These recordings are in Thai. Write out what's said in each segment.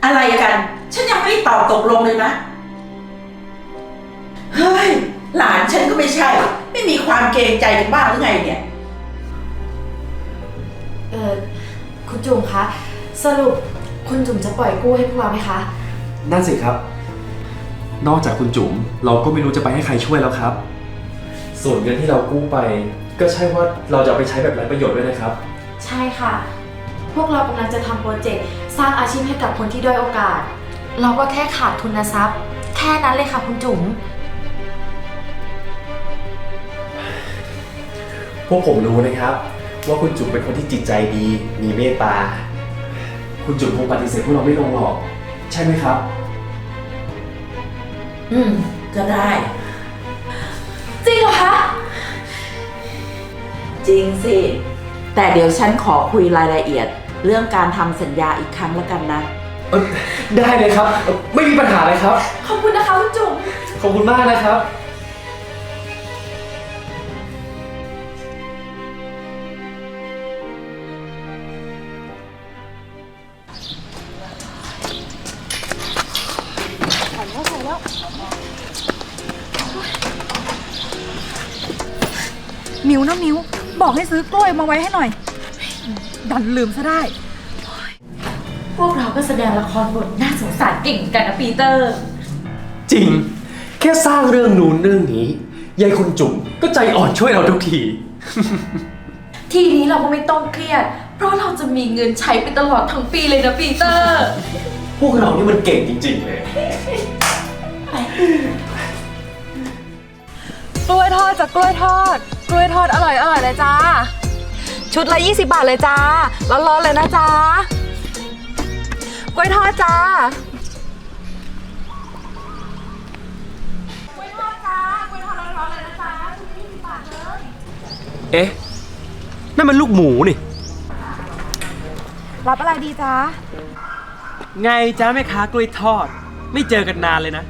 อะไรกัน ฉันยังไม่ได้ตอบตกลงเลยนะ เฮ้ย หลานฉันก็ไม่ใช่ ไม่มีความเกรงใจกันบ้างหรือไงเนี่ยคุณจุ๋มคะสรุปคุณจุ๋มจะปล่อยกู้ให้พวกเราไหมคะนั่นสิครับ นอกจากคุณจุ๋มเราก็ไม่รู้จะไปให้ใครช่วยแล้วครับ ส่วนเงินที่เรากู้ไป ก็ใช่ว่าเราจะเอาไปใช้แบบไร้ประโยชน์ด้วยนะครับใช่ค่ะ พวกเรากำลังจะทำโปรเจกต์สร้างอาชีพให้กับคนที่ด้อยโอกาส เราก็แค่ขาดทุนทรัพย์ แค่นั้นเลยค่ะคุณจุ๋มพวกผมรู้นะครับ ว่าคุณจุ๋มเป็นคนที่จิตใจดี มีเมตตา คุณจุ๋มคงปฏิเสธพวกเราไม่ลงหรอก ใช่ไหมครับก็ได้จริงเหรอคะจริงสิ แต่เดี๋ยวฉันขอคุยรายละเอียด เรื่องการทำสัญญาอีกครั้งแล้วกันนะได้เลยครับ ไม่มีปัญหาเลยครับขอบคุณนะคะคุณจุ๋มขอบคุณมากนะครับมิวนะมิวบอกให้ซื้อกล้วยมาไว้ให้หน่อย ดันลืมซะได้พวกเราก็แสดงละครบทน่าสงสารเก่งกันนะปีเตอร์จริง แค่สร้างเรื่องนู้นเรื่องนี้ยายคุณจุ๋มก็ใจอ่อนช่วยเราทุกทีทีนี้เราก็ไม่ต้องเครียด เพราะเราจะมีเงินใช้ไปตลอดทั้งปีเลยนะปีเตอร์พวกเรานี่มันเก่งจริงๆเลยกล้วยทอดจากกล้วยทอด กล้วยทอดอร่อยเลยจ้า ชุดละ20 บาทเลยจ้า ร้อนๆเลยนะจ้ากล้วยทอดจ้า กล้วยทอดจ้ากล้วยทอดร้อนๆเลยนะจ้าชุดละ20 บาทเลยเอ๊ะ นั่นมันลูกหมูนี่รับอะไรดีจ้าไงจ้าแม่ค้ากล้วยทอด ไม่เจอกันนานเลยนะ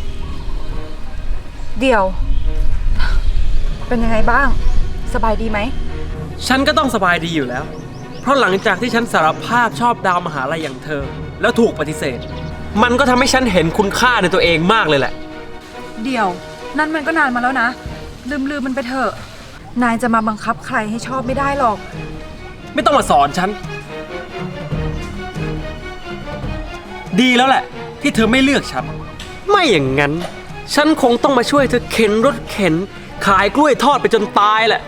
เดี๋ยว เป็นยังไงบ้าง สบายดีไหมฉันก็ต้องสบายดีอยู่แล้ว เพราะหลังจากที่ฉันสารภาพชอบดาวมหาลัยอย่างเธอ แล้วถูกปฏิเสธ มันก็ทำให้ฉันเห็นคุณค่าในตัวเองมากเลยแหละเดี๋ยว นั่นมันก็นานมาแล้วนะ ลืมมันไปเถอะ นายจะมาบังคับใครให้ชอบไม่ได้หรอกไม่ต้องมาสอนฉัน ดีแล้วแหละ ที่เธอไม่เลือกฉัน ไม่อย่างนั้น ฉันคงต้องมาช่วยเธอเข็นรถเข็น ขายกล้วยทอดไปจนตายแหละ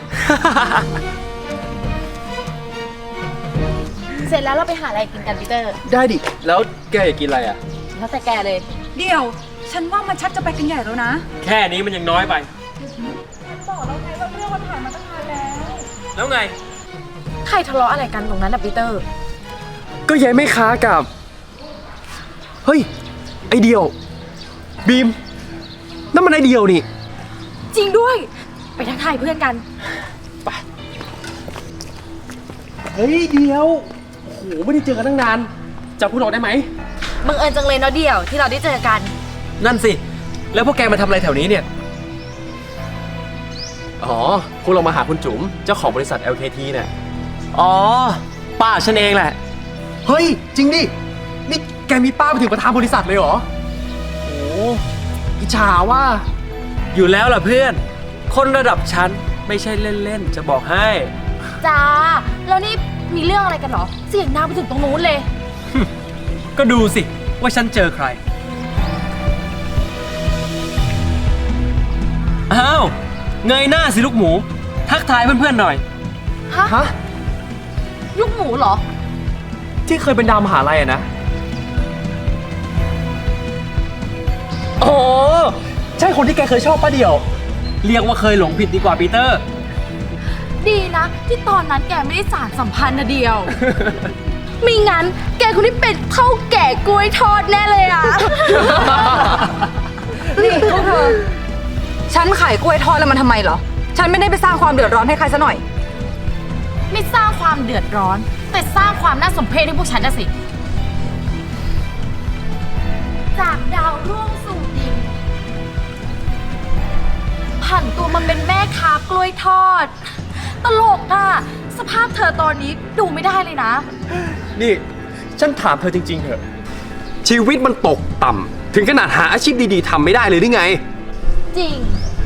เสร็จแล้วเราไปหาอะไรกินกันปีเตอร์ได้ดิ แล้วแกอยากกินอะไรอ่ะแล้วแต่แกเลยเดี๋ยว ฉันว่ามันชักจะไปกันใหญ่แล้วนะแค่นี้มันยังน้อยไปบอกแล้วไงว่าเรื่องมันผ่านมาตั้งนานแล้วแล้วไงใครทะเลาะอะไรกันตรงนั้นนะปีเตอร์ก็ยายไม่ค้ากับ เฮ้ย ไอเดียว บีม นั่นมันไอเดียวนี่จริงด้วย ไปทักทายเพื่อนกันเฮ้ยเดียว โอ้โห ไม่ได้เจอกันตั้งนานจำพวกเราได้ไหมบังเอิญจังเลยเนาะเดี่ยวที่เราได้เจอกันนั่นสิ แล้วพวกแกมาทำอะไรแถวนี้เนี่ยอ๋อ พวกเรามาหาคุณจุ๋ม เจ้าของบริษัท LKT เนี่ยอ๋อ ป้าฉันเองแหละเฮ้ย จริงดิ นี่แกมีป้าไปถึงประธานบริษัทเลยเหรอ โอ้อิจฉาว่าอยู่แล้วล่ะเพื่อน คนระดับฉันไม่ใช่เล่นๆ จะบอกให้จ้า แล้วนี่มีเรื่องอะไรกันเหรอ เสียงดังไปถึงตรงนู้นเลยก็ดูสิว่าฉันเจอใคร อ้าว เงยหน้าสิลูกหมู ทักทายเพื่อนๆหน่อยฮะลูกหมูเหรอที่เคยเป็นดาวมหาลัยอะนะ อ๋อ ใช่คนที่แกเคยชอบป้าเดี่ยวเรียกว่าเคยหลงผิดดีกว่าปีเตอร์ดีนะ ที่ตอนนั้นแกไม่ได้สารสัมพันธ์นะเดียว ไม่งั้น แกคนที่เป็นเท่าแก่กล้วยทอดแน่เลยอ่ะนี่พวกเธอ ฉันขายกล้วยทอดแล้วมันทำไมเหรอ ฉันไม่ได้ไปสร้างความเดือดร้อนให้ใครซะหน่อยไม่สร้างความเดือดร้อน แต่สร้างความน่าสมเพชให้พวกฉันนะสิ จากดาวร่วงสู่ดินผันตัวมันเป็นแม่ค้ากล้วยทอด ตลกอ่ะ สภาพเธอตอนนี้ดูไม่ได้เลยนะนี่ ฉันถามเธอจริงๆเถอะชีวิตมันตกต่ำถึงขนาดหาอาชีพดีๆทำไม่ได้เลยหรือไงจริง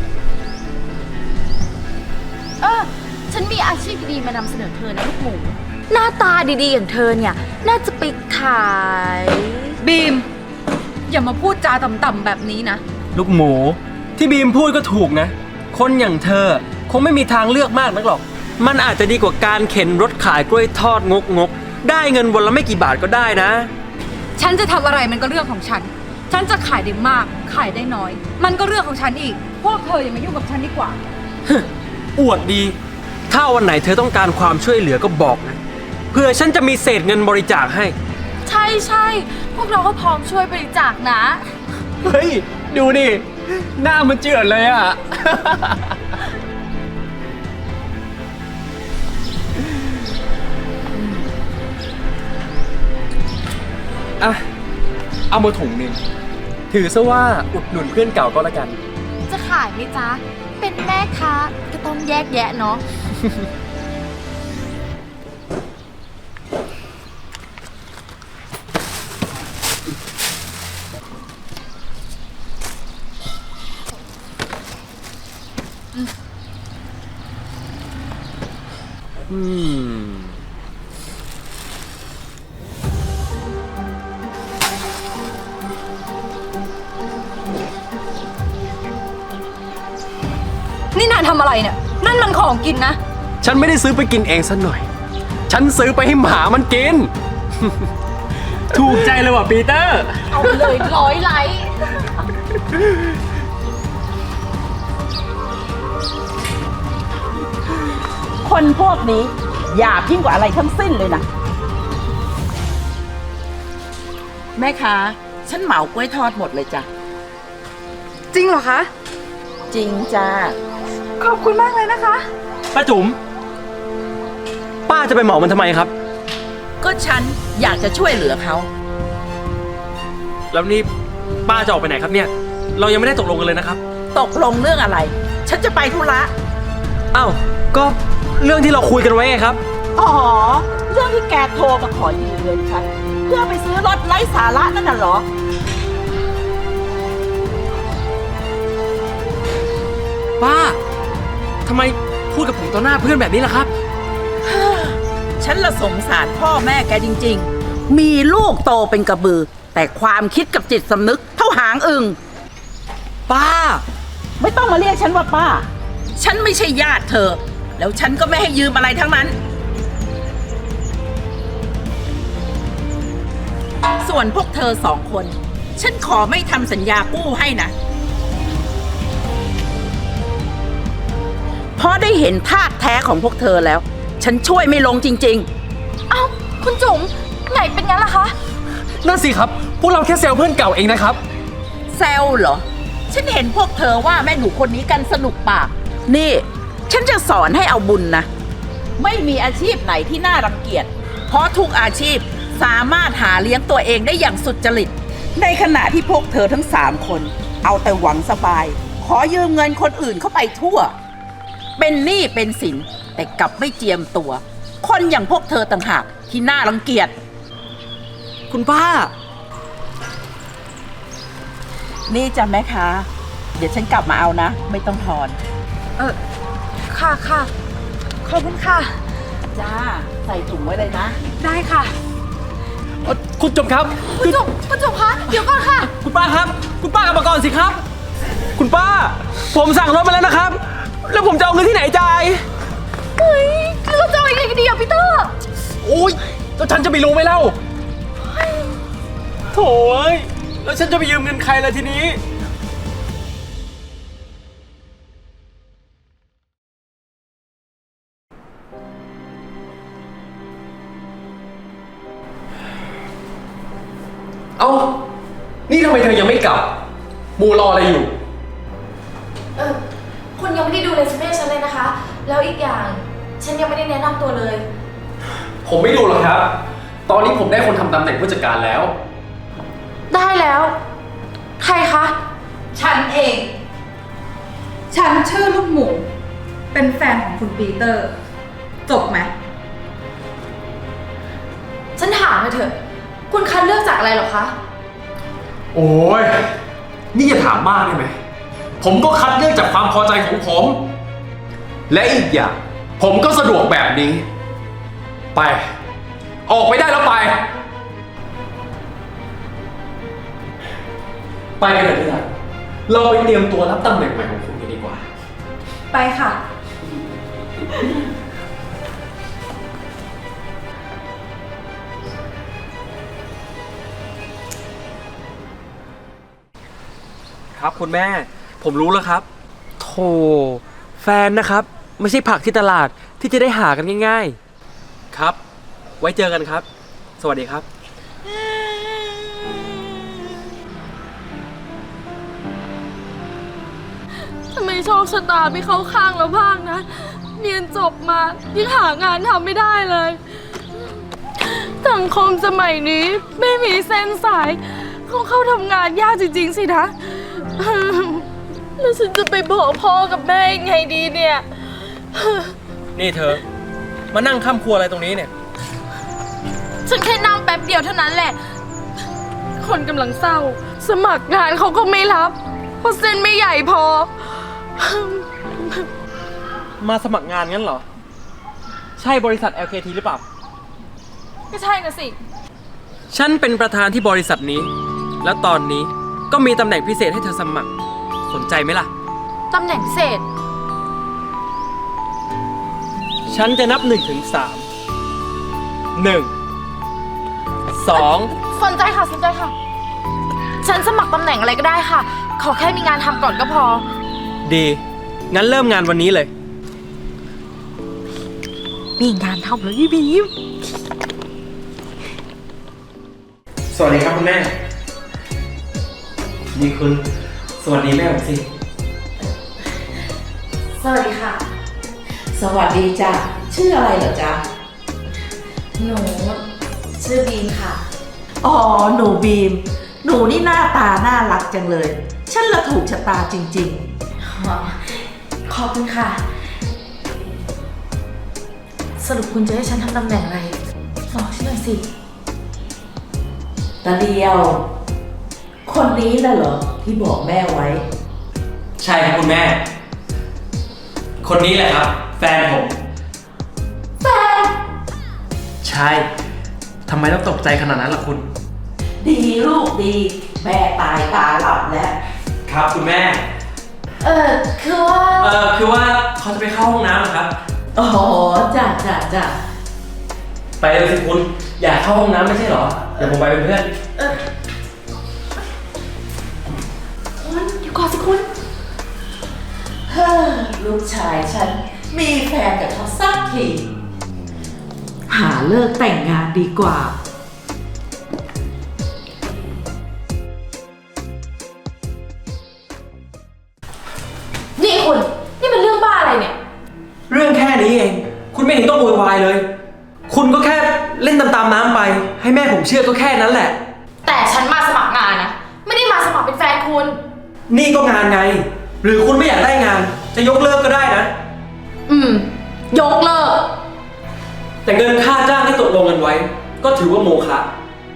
ฉันมีอาชีพดีๆมานำเสนอเธอนะลูกหมู หน้าตาดีๆอย่างเธอเนี่ย น่าจะไปขายบีม อย่ามาพูดจาต่ำๆแบบนี้นะลูกหมูที่บีมพูดก็ถูกนะ คนอย่างเธอคงไม่มีทางเลือกมากนักหรอก มันอาจจะดีกว่าการเข็นรถขายกล้วยทอดงกๆได้เงินวันละไม่กี่บาทก็ได้นะฉันจะทำอะไรมันก็เรื่องของฉัน ฉันจะขายได้มาก ขายได้น้อย มันก็เรื่องของฉันอีก พวกเธออย่ามายุ่งกับฉันดีกว่าอวดดี ถ้าวันไหนเธอต้องการความช่วยเหลือก็บอกนะ เพื่อฉันจะมีเศษเงินบริจาคให้ใช่ใช่พวกเราก็พร้อมช่วยบริจาคนะเฮ้ย ดูดิ หน้ามันเจือดเลยอ่ะ อ่ะ เอามาถุงหนึ่ง ถือซะว่าอุดหนุนเพื่อนเก่าก็แล้วกันจะขายไหมจ๊ะ เป็นแม่ค้าก็ต้องแยกแยะเนาะนี่นายทำอะไรเนี่ย นั่นมันของกินนะฉันไม่ได้ซื้อไปกินเองสักหน่อย ฉันซื้อไปให้หมามันกินถูกใจเลยว่ะปีเตอร์เอาไปเลย100 ไลค์คนพวกนี้หยาบยิ่งกว่าอะไรทั้งสิ้นเลยนะ แม่ค้าฉันเหมากล้วยทอดหมดเลยจ้ะจริงเหรอคะจริงจ้าขอบคุณมากเลยนะคะป้าจุ๋ม ป้าจะไปเหมามันทำไมครับก็ฉันอยากจะช่วยเหลือเขาแล้วนี่ป้าจะออกไปไหนครับเนี่ย เรายังไม่ได้ตกลงกันเลยนะครับตกลงเรื่องอะไร ฉันจะไปธุระอ้าว ก็เรื่องที่เราคุยกันไว้ไงครับอ๋อ เรื่องที่แกโทรมาขอยืมเงินฉันเพื่อไปซื้อรถไร้สาระนั่นน่ะเหรอป้า ทำไมพูดกับผมต่อหน้าเพื่อนแบบนี้ล่ะครับฉันละสงสารพ่อแม่แกจริงๆ มีลูกโตเป็นกระบือ แต่ความคิดกับจิตสำนึกเท่าหางอึ่งป้าไม่ต้องมาเรียกฉันว่าป้า ฉันไม่ใช่ญาติเธอ แล้วฉันก็ไม่ให้ยืมอะไรทั้งนั้น ส่วนพวกเธอสองคน ฉันขอไม่ทำสัญญากู้ให้นะ เพราะได้เห็นธาตุแท้ของพวกเธอแล้ว ฉันช่วยไม่ลงจริงเอ้า คุณจุ๋มไงเป็นงั้นล่ะคะนั่นสิครับ พวกเราแค่เซลเพื่อนเก่าเองนะครับๆ แซวเหรอ ฉันเห็นพวกเธอว่าแม่หนูคนนี้กันสนุกปาก นี่ ฉันจะสอนให้เอาบุญนะ ไม่มีอาชีพไหนที่น่ารังเกียจ เพราะทุกอาชีพสามารถหาเลี้ยงตัวเองได้อย่างสุจริต ในขณะที่พวกเธอทั้ง3 คน เอาแต่หวังสบาย ขอยืมเงินคนอื่นเข้าไปทั่ว เป็นหนี้เป็นสินแต่กลับไม่เจียมตัว คนอย่างพวกเธอต่างหากที่น่ารังเกียจคุณป้านี่จ้ะแม่ค้าเดี๋ยวฉันกลับมาเอานะ ไม่ต้องทอนค่ะค่ะ ขอบคุณค่ะจ้า ใส่ถุงไว้เลยนะได้ค่ะคุณจุ๋มครับคุณจุ๋มคะ เดี๋ยวก่อนค่ะคุณป้าครับ คุณป้ากลับมาก่อนสิครับ คุณป้า ผมสั่งรถมาแล้วนะครับ แล้วผมจะเอาเงินที่ไหนจ่ายเฮ้ยเราจะเอายังไงกันดีอะพีเตอร์โอ้ยแล้วฉันจะไปรู้ไหมเล่าโถ่เอ้ยแล้วฉันจะไปยืมเงินใครล่ะทีนี้เอ้า นี่ทำไมเธอยังไม่กลับ มูรออะไรอยู่คุณยังไม่ได้ดูเรซูเม่ฉันเลยนะคะ แล้วอีกอย่างฉันยังไม่ได้แนะนำตัวเลยผมไม่ดูหรอกครับ ตอนนี้ผมได้คนทำตำแหน่งผู้จัดการแล้วได้แล้ว ใครคะฉันเอง ฉันชื่อลูกหมู เป็นแฟนของคุณปีเตอร์ จบไหมฉันถามเลยเถอะ คุณคัดเลือกจากอะไรเหรอคะโอ้ย นี่อย่าถามมากได้ไหม ผมก็คัดเลือกจากความพอใจของผม และอีกอย่าง ผมก็สะดวกแบบนี้ ไป ออกไปได้แล้วไป ไปกันเลยที่รักเราไปเตรียมตัวรับตำแหน่งใหม่ของคุณกันดีกว่าไปค่ะครับคุณแม่ ผมรู้แล้วครับโธ่แฟนนะครับ ไม่ใช่ผักที่ตลาดที่จะได้หากันง่ายๆ ครับ ไว้เจอกันครับ สวัสดีครับทำไมโชคชะตาไม่เข้าข้างเราบ้างนะ เรียนจบมายังหางานทำไม่ได้เลย สังคมสมัยนี้ไม่มีเส้นสายคงเข้าทำงานยากจริงๆสินะ แล้วฉันจะไปบอกพ่อกับแม่ยังไงดีเนี่ยนี่เธอ มานั่งข้ามครัวอะไรตรงนี้เนี่ยฉันแค่นั่งแป๊บเดียวเท่านั้นแหละ คนกำลังเศร้า สมัครงานเขาก็ไม่รับ เพราะเส้นไม่ใหญ่พอมาสมัครงานงั้นเหรอ ใช่บริษัท LKT หรือเปล่าก็ใช่นะสิฉันเป็นประธานที่บริษัทนี้ แล้วตอนนี้ก็มีตำแหน่งพิเศษให้เธอสมัคร สนใจไหมล่ะตำแหน่งพิเศษฉันจะนับ1 ถึง 3 1 2 สนใจค่ะ สนใจค่ะ ฉันสมัครตำแหน่งอะไรก็ได้ค่ะ ขอแค่มีงานทำก่อนก็พอดี งั้นเริ่มงานวันนี้เลยมีงานทำแล้วยี่บีมสวัสดีครับคุณแม่ นี่คุณ สวัสดีแม่ผมสิสวัสดีค่ะสวัสดีจ้ะชื่ออะไรเหรอจ๊ะหนูชื่อบีมค่ะอ๋อหนูบีม หนูนี่หน้าตาน่ารักจังเลย ฉันละถูกชะตาจริงขอบคุณค่ะ สรุปคุณจะให้ฉันทำตำแหน่งอะไรบอกฉันหน่อยสิๆตาเดียว คนนี้น่ะเหรอที่บอกแม่ไว้ใช่ครับคุณแม่ คนนี้แหละครับ แฟนผมแฟนใช่ ทำไมต้องตกใจขนาดนั้นล่ะคุณดีลูกดี แม่ตายตาหลับแล้วครับคุณแม่คือว่าคือว่าเขาจะไปเข้าห้องน้ำนะครับอ๋อจ้ะจ้ะจ้ะไปเลยสิคุณ อยากเข้าห้องน้ำไม่ใช่เหรอ เดี๋ยวผมไปเป็นเพื่อนคุณเดี๋ยวก่อนสิคุณเฮ้อลูกชายฉันมีแฟนกับเขาสักที หาเลิกแต่งงานดีกว่านี่คุณ นี่มันเรื่องบ้าอะไรเนี่ยเรื่องแค่นี้เอง คุณไม่เห็นต้องโวยวายเลย คุณก็แค่เล่นตามๆน้ำไป ให้แม่ผมเชื่อก็แค่นั้นแหละแต่ฉันมาสมัครงานนะ ไม่ได้มาสมัครเป็นแฟนคุณนี่ก็งานไง หรือคุณไม่อยากได้งาน จะยกเลิกก็ได้นะยกเลิกแต่เงินค่าจ้างที่ตกลงกันไว้ ก็ถือว่าโมฆะ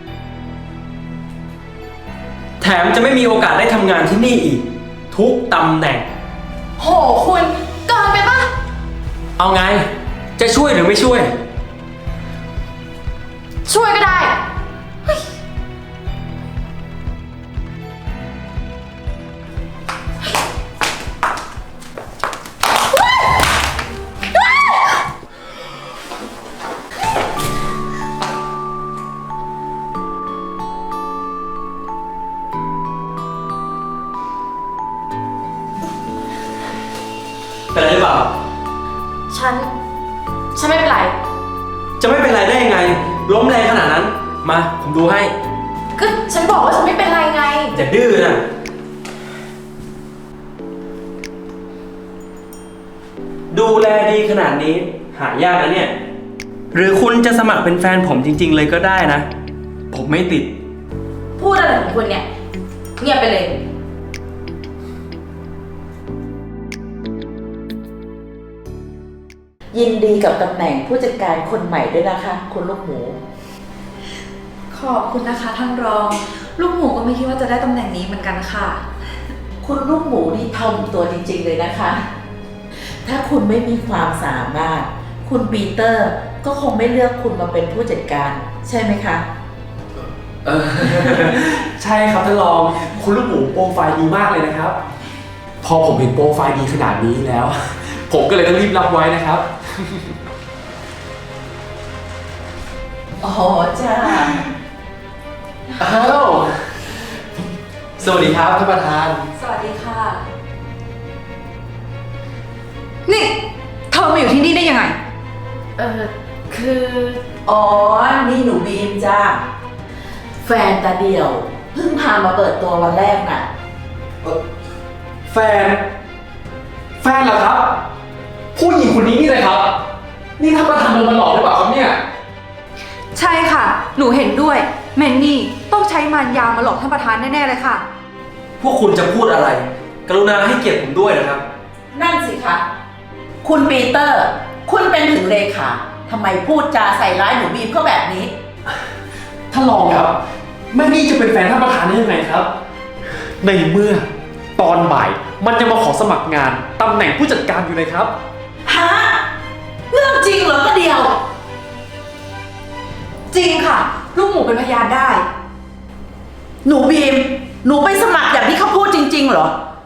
แถมจะไม่มีโอกาสได้ทำงานที่นี่อีก ทุกตำแหน่งโหคุณเกินไปปะเอาไง จะช่วยหรือไม่ช่วยช่วยก็ได้เป็นไรหรือเปล่าฉันไม่เป็นไรจะไม่เป็นไรได้ยังไง ล้มแรงขนาดนั้น มา ผมดูให้ก็ฉันบอกว่าฉันไม่เป็นไรไงอย่าดื้อนะ ดูแลดีขนาดนี้ หายากนะเนี่ย หรือคุณจะสมัครเป็นแฟนผมจริง ๆ เลยก็ได้นะ ผมไม่ติดพูดอะไรของคุณเนี่ย เงียบไปเลยยินดีกับตำแหน่งผู้จัดการคนใหม่ด้วยนะคะ คุณลูกหมูขอบคุณนะคะท่านรอง ลูกหมูก็ไม่ไม่คิดว่าจะได้ตำแหน่งนี้เหมือนกันค่ะคุณลูกหมูนี่ถ่อมตัวจริงๆเลยนะคะ ถ้าคุณไม่มีความสามารถ คุณปีเตอร์ก็คงไม่เลือกคุณมาเป็นผู้จัดการ ใช่ไหมคะใช่ครับท่านรอง คุณลูกหมูโปรไฟล์ดีมากเลยนะครับ พอผมเห็นโปรไฟล์ดีขนาดนี้แล้ว ผมก็เลยต้องรีบรับไว้นะครับอ๋อจ้าอ้าวสวัสดีครับท่านประธานสวัสดีค่ะ นี่เธอมาอยู่ที่นี่ได้ยังไงคือ อ๋อ นี่หนูบีมจ้า แฟนตาเดี่ยว เพิ่งพามาเปิดตัววันแรกน่ะแฟนเหรอครับ ผู้หญิงคนนี้นี่เลยครับ นี่ท่านประธานโดนมาหลอกหรือเปล่าครับเนี่ยใช่ค่ะ หนูเห็นด้วย แมนนี่ต้องใช้มารยามาหลอกท่านประธานแน่ๆเลยค่ะพวกคุณจะพูดอะไร กรุณาให้เกียรติผมด้วยนะครับนั่นสิคะ คุณปีเตอร์ คุณเป็นถึงเลขาทำไมพูดจาใส่ร้ายหนูบีมเขาแบบนี้ท่านรองครับแม่นี่จะเป็นแฟนท่านประธานได้ยังไงครับ ในเมื่อตอนบ่ายมันจะมาขอสมัครงานตำแหน่งผู้จัดการอยู่เลยครับฮะ เรื่องจริงเหรอก็เดียวจริงค่ะ ลูกหมูเป็นพยานได้หนูบีม หนูไปสมัครอย่างที่เขาพูดจริง ๆ เหรอ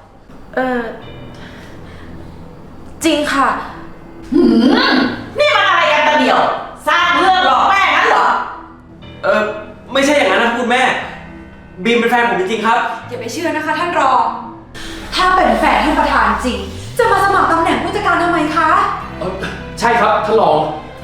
จริงค่ะนี่มันอะไรกันตาเดียว สร้างเรื่องหลอกแม่งั้นเหรอไม่ใช่อย่างนั้นนะคุณแม่ บีมเป็นแฟนผมจริงๆครับอย่าไปเชื่อนะคะท่านรอง ถ้าเป็นแฟนท่านประธานจริง จะมาสมัครตำแหน่งผู้จัดการทำไมคะใช่ครับท่านรอง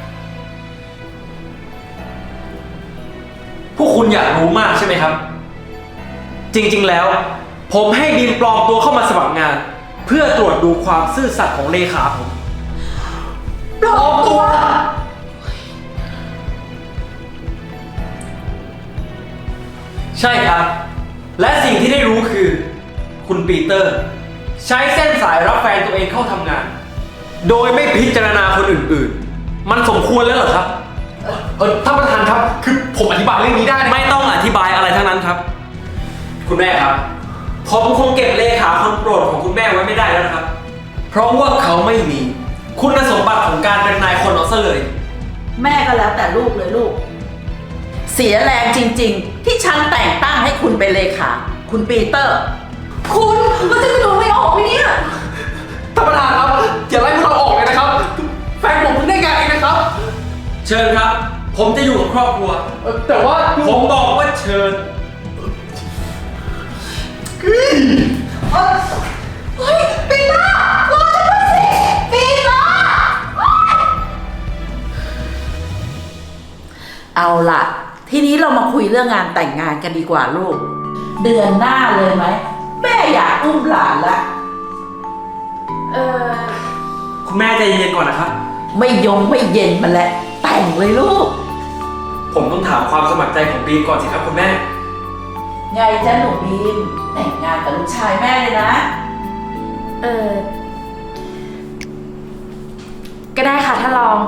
พวกคุณอยากรู้มากใช่ไหมครับ จริงๆแล้ว ผมให้บีมปลอมตัวเข้ามาสมัครงาน เพื่อตรวจดูความซื่อสัตย์ของเลขาผมปลอมตัวใช่ครับ และสิ่งที่ได้รู้คือ คุณปีเตอร์ ใช้เส้นสายรับแฟนตัวเองเข้าทำงาน โดยไม่พิจารณาคนอื่นๆ มันสมควรแล้วเหรอครับท่านประธานครับ คือผมอธิบายเรื่องนี้ได้นะไม่ต้องอธิบายอะไรทั้งนั้นครับ คุณแม่ครับ ผมคงเก็บเลขาคนโปรดของคุณแม่ไว้ไม่ได้แล้วนะครับ เพราะว่าเขาไม่มีคุณสมบัติของการเป็นนายคนเอาซะเลยแม่ก็แล้วแต่ลูกเลยลูก เสียแรงจริง ๆ ที่ฉันแต่งตั้งให้คุณเป็นเลขา คุณปีเตอร์คุณมันจะกระโดดไม่ออกไหมเนี่ยท่านประธานครับอย่าไล่พวกเราออกเลยนะครับ แฟนผมเพิ่งได้งานเองนะครับเชิญครับ ผมจะอยู่กับครอบครัวแต่ว่าผมบอกว่าเชิญเฮ้ยปีเตอร์รอฉันด้วยสิปีเตอร์เอาล่ะ ทีนี้เรามาคุยเรื่องงานแต่งงานกันดีกว่าลูก เดือนหน้าเลยไหม แม่อยากอุ้มหลานละคุณแม่ใจเย็นๆก่อนนะครับไม่เย็นมาแล้วแต่งเลยลูกผมต้องถามความสมัครใจของบีมก่อนสิครับคุณแม่ไงจ๊ะหนูบีม แต่งงานกับลูกชายแม่เลยนะก็ได้ค่ะท่านรอง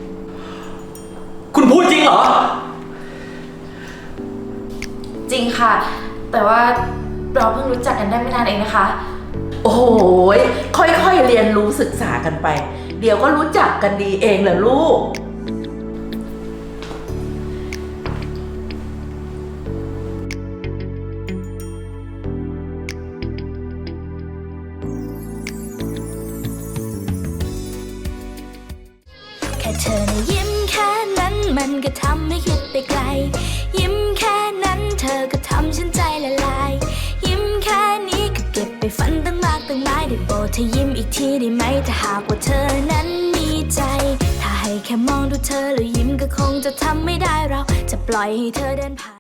คุณพูดจริงเหรอจริงค่ะ แต่ว่าเราเพิ่งรู้จักกันได้ไม่นานเองนะคะโอ้โหยค่อยๆเรียนรู้ศึกษากันไป เดี๋ยวก็รู้จักกันดีเองแหละลูกแค่เธอนะยิ้มแค่นั้นมันก็ทำให้คิดไปไกล ยิ้มแค่นั้นเธอก็ทำฉันใจละลาย ยิ้มแค่นี้ก็เก็บไปฝันตั้งมากตั้งหลายได้โปรดเธอยิ้มอีกทีได้ไหมถ้าหากว่าเธอนั้นมีใจ ถ้าให้แค่มองดูเธอแล้วยิ้มก็คงจะทำไม่ได้เราจะปล่อยให้เธอเดินผ่าน